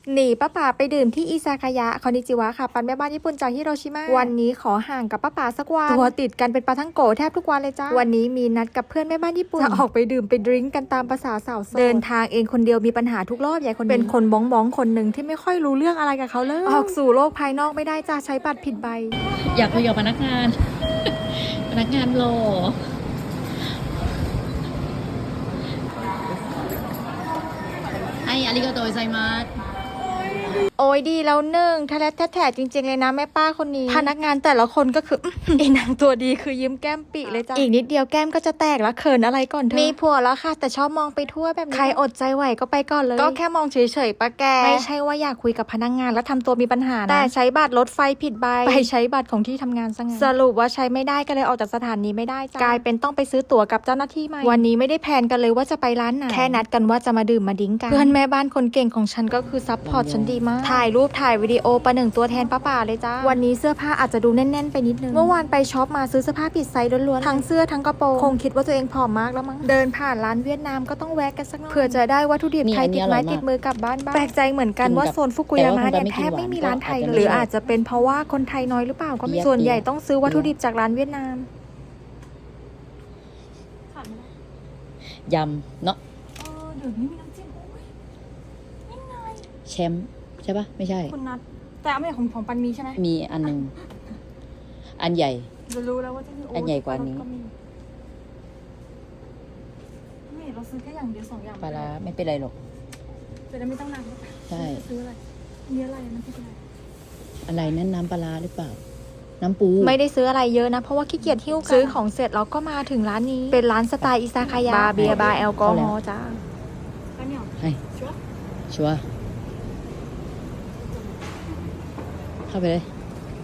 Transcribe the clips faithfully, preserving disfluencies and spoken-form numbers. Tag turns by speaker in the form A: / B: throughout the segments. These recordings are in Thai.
A: หนีป้าป๋าไปดื่มที่อิซากายะคอนนิจิวะค่ะปันแม่บ้านญี่ปุ่นจากฮิโรชิมาวันนี้ขอห่างกับป้าป๋าสักวันตัวติดกันเป็นปลาทั้งโกแทบทุกวันเลยจ้าวันนี้มีนัดกับเพื่อนแม่บ้านญี่ปุ่นจะออกไปดื่มไปดริ้งกันตามภาษาสาวโสดเดินทางเองคนเดียวมีปัญหาทุกรอบใหญ่คนเป็นคนบ้องบ้องคนหนึ่งที่ไม่ค่อยรู้เรื่องอะไรกับเขาเลยออกสู่โลกภายนอกไม่ได้จ้าใช้บัตรผิดใบ
B: อยากคุยกับพนักงาน พนักงานรอไออาริโกโตไซมัส
A: โอ้ยดีแล้วหนึ่งทะเลแท้ๆจริงๆเลยนะแม่ป้าคนนี้พนักงานแต่ละคนก็คือ ไอ้นางตัวดีคือยิ้มแก้มปีเลยจ้ะอีกนิดเดียวแก้มก็จะแตกแล้วเขินอะไรก่อนเธอมีผัวแล้วค่ะแต่ชอบมองไปทั่วแบบนี้ใครอดใจไหวก็ไปก่อนเลยก็แค่มองเฉยๆปะแกไม่ใช่ว่าอยากคุยกับพนักงานแล้วทำตัวมีปัญหานะแต่ใช้บัตรรถไฟผิดใบไปใช้บัตรของที่ทำงานซะงั้นสรุปว่าใช้ไม่ได้ก็เลยออกจากสถานีไม่ได้จ้ะกลายเป็นต้องไปซื้อตั๋วกับเจ้าหน้าที่ใหม่วันนี้ไม่ได้แพลนกันเลยว่าจะไปร้านไหนแค่นัดกันว่าจะมาดื่มมาดิ้งกันเพื่อนแม่บ้านคนเก่งของฉันก็คือซัพพอร์ตฉันดีมากถ่ายรูปถ่ายวิดีโอประหนึ่งตัวแทนป้าป่าเลยจ้าวันนี้เสื้อผ้าอาจจะดูแน่นๆไปนิดนึงเมื่อวานไปช็อปมาซื้อเสื้อผ้าผิดไซส์ล้วนๆทั้งเสื้อทั้งกระโปรงคงคิดว่าตัวเองผอมมากแล้วมั้งเดินผ่านร้านเวียดนามก็ต้องแวะกันสักหน่อยเผื่อจะได้วัตถุดิบไทยติดไม้ติดมือกลับบ้านบ้างแปลกใจเหมือนกันว่าโซนฟุกุยามะเนี่ยแทบไม่มีร้านไทยเลยหรืออาจจะเป็นเพราะว่าคนไทยน้อยหรือเปล่าก็ไม่ส่วนใหญ่ต้องซื้อวัตถุดิบจากร้านเวียดนาม
B: ยำเนาะ
A: เดี๋ยวนี้มีน้ำจิ้มนี่ไง
B: แชมป์ใช่ปะไม่ใช่
A: คุณนัทแต่ไม่ของของปันมีใช่ไหม
B: มีอันหนึ่งอันใหญ่
A: จะรู้แล้วว่าจะมี
B: อันใหญ่กว่านี้
A: ไม่เราซื้อแค่อย่างเดียวสองอย่าง
B: ปลาร้าไม่เป็นไรหรอก
A: จะได้ไม่ต้องนาน
B: ใช่
A: ซื้ออะไรมีอะไรมันคืออะไร
B: อะไรนั่นน้ำปลาร้าหรือเปล่าน้ำปู
A: ไม่ได้ซื้ออะไรเยอะนะเพราะว่าขี้เกียจหิ้วกันซื้อของเสร็จเราก็มาถึงร้านนี้เป็นร้านสไตล์อิซากายะบาร์เบียร์บาร์แอลกอฮอล์จ้า
B: ให้ชัวร์เข้าไปเลย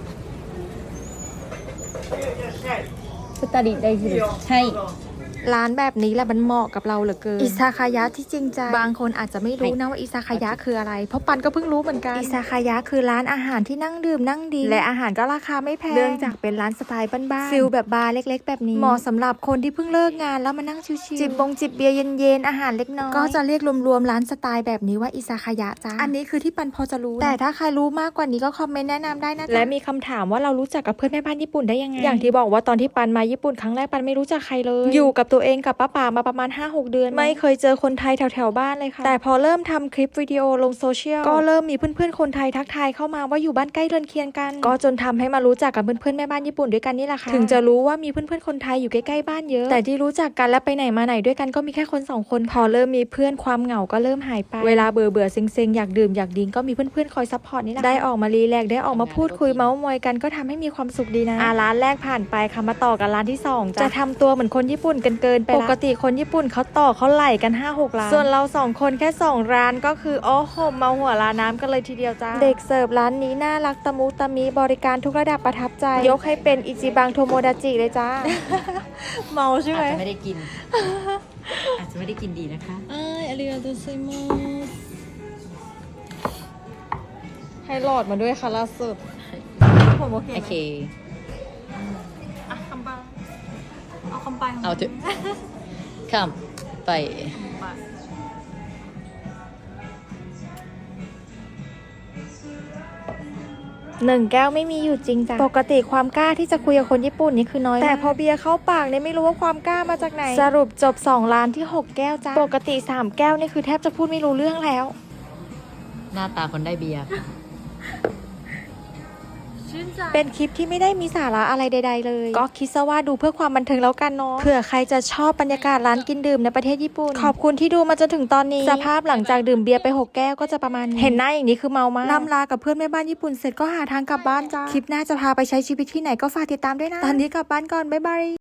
B: สตาดิได้สิใช่
A: ร้านแบบนี้แหละมันเหมาะกับเราเหลือเกินอิซากายะที่จริงใจบางคนอาจจะไม่รู้นะว่าอิซากายะคืออะไรเพราะปันก็เพิ่งรู้เหมือนกันอิซากายะคือร้านอาหารที่นั่งดื่มนั่งดีและอาหารก็ราคาไม่แพงเนื่องจากเป็นร้านสไตล์บ้านๆฟิลแบบบาร์เล็กๆแบบนี้เหมาะสำหรับคนที่เพิ่งเลิกงานแล้วมานั่งชิลๆจิบบงจิบเบียร์เย็นๆอาหารเล็กน้อยก็จะเรียกรวมๆร้านสไตล์แบบนี้ว่าอิซากายะจ้าอันนี้คือที่ปันพอจะรู้แต่ถ้าใครรู้มากกว่านี้ก็คอมเมนต์แนะนำได้นะและมีคำถามว่าเรารู้จักกับเพื่อนแม่บ้านญี่ปุ่นได้ยังไงอย่างที่บอกว่าตอนที่ปันมาญี่ปุ่นครั้งแรกปันไม่รู้จักใครเลยอยู่กับตัวเองกับป้าป่ามาประมาณ ห้าหก เดือนไม่เคยเจอคนไทยแถวๆบ้านเลยค่ะแต่พอเริ่มทำคลิปวิดีโอลงโซเชียลก็เริ่มมีเพื่อนๆคนไทยทักทายเข้ามาว่าอยู่บ้านใกล้เรือนเคียงกันก็จนทำให้มารู้จักกับเพื่อนๆแม่บ้านญี่ปุ่นด้วยกันนี่แหละค่ะถึงจะรู้ว่ามีเพื่อนๆคนไทยอยู่ใกล้ๆบ้านเยอะแต่ที่รู้จักกันและไปไหนมาไหนด้วยกันก็มีแค่คนสองคนพอเริ่มมีเพื่อนความเหงาก็เริ่มหายไปเวลาเบื่อเบื่อเซ็งๆอยากดื่มอยากดิ้งก็มีเพื่อนๆคอยซัพพอร์ตนี่แหละได้ออกมารีแลกได้ออกมาพูดคุยเมาส์มอยกันก็ทำให้มีความสุขดีนะอ่ะร้านแรกผ่านไปค่ะมาต่อกันร้านที่สองจะทำตัวเหมือนคนญี่ปุ่นกันเกินไปปกติคนญี่ปุ่นเขาต่อเขาไหลกัน ห้าหก ร้านส่วนเราสองคนแค่สองร้านก็คือโอ้โหเมาหัวร้านน้ำกันเลยทีเดียวจ้าเด็กเสิร์ฟร้านนี้น่ารักตะมุตะมีบริการทุกระดับประทับใจยกให้เป็นอิจิบังโทโมดาจิเลยจ้า เมาใช่ไหม
B: อาจจะไม่ได้กิน อาจจะไม่ได้กินดีนะคะ
A: ไออาริกาโตไซมัสให้หลอดมาด้วยค่ะล่าสุดผมโอเค
B: โอเค
A: อ่ะคำปังเอาคำปัง
B: เอาเถอะคำไป
A: หนึ่งแก้วไม่มีอยู่จริงจ้ะปกติความกล้าที่จะคุยกับคนญี่ปุ่นนี่คือน้อยแต่พอเบียร์เข้าปากเนี่ยไม่รู้ว่าความกล้ามาจากไหนสรุปจบสองร้านที่หกแก้วจ้ะปกติสามแก้วนี่คือแทบจะพูดไม่รู้เรื่องแล้ว
B: หน้าตาคนได้เบียร์
A: เป็นคลิปที่ไม่ได้มีสาระอะไรใดๆเลยก็คิดซะว่าดูเพื่อความบันเทิงแล้วกันเนาะเผื่อใครจะชอบบรรยากาศร้านกินดื่มในประเทศญี่ปุ่นขอบคุณที่ดูมาจนถึงตอนนี้สภาพหลังจากดื่มเบียร์ไปหกแก้วก็จะประมาณนี้เห็นหน้าอย่างนี้คือเมามากล่ำลากับเพื่อนแม่บ้านญี่ปุ่นเสร็จก็หาทางกลับบ้านจ้าคลิปหน้าจะพาไปใช้ชีวิตที่ไหนก็ฝากติดตามด้วยนะตอนนี้กลับบ้านก่อนบ๊ายบาย